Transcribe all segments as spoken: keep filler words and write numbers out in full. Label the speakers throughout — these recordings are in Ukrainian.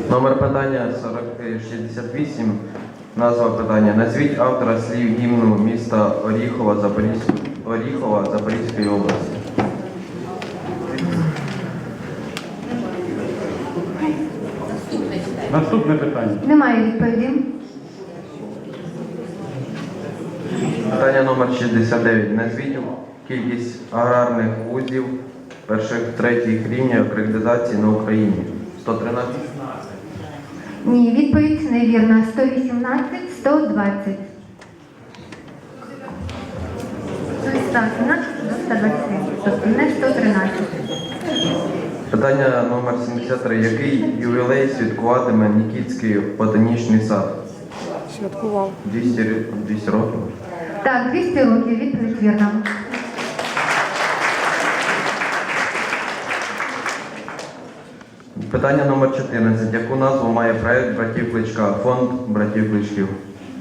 Speaker 1: Номер питання сорок шістдесят вісім. Назва питання. Назвіть автора слів гімну міста Оріхова, Запорізь... Оріхова Запорізької області.
Speaker 2: Наступне питання.
Speaker 3: Немає відповіді.
Speaker 1: Питання номер шістдесят дев'ять. Назвіть кількість аграрних вузів перших третіх рівнів акредитації на Україні. сто тринадцять?
Speaker 3: Ні, відповідь невірна. сто вісімнадцять, сто двадцять. сто вісімнадцять до сто двадцять, тобто не сто тринадцять.
Speaker 1: Питання номер сімдесят три. Який ювілей святкуватиме Нікітський ботанічний сад?
Speaker 4: Святкував.
Speaker 1: двісті, двісті років.
Speaker 3: Так, двісті років, відповідь вірна.
Speaker 1: Питання номер чотирнадцять. Яку назву має проект братів Кличка? Фонд братів Кличків.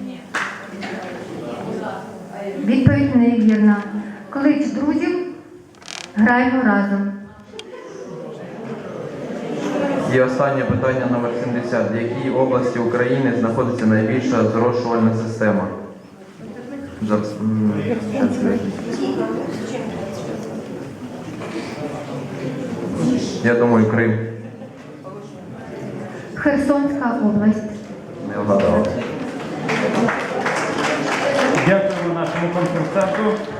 Speaker 3: Відповідь невірна. Клич друзів, граємо разом.
Speaker 1: І останнє питання номер сімдесят. В якій області України знаходиться найбільша зрошувальна система? За- м, Я думаю, Крим.
Speaker 3: Херсонська область.
Speaker 1: Не вгадав.
Speaker 2: Дякуємо нашому конкурсанту.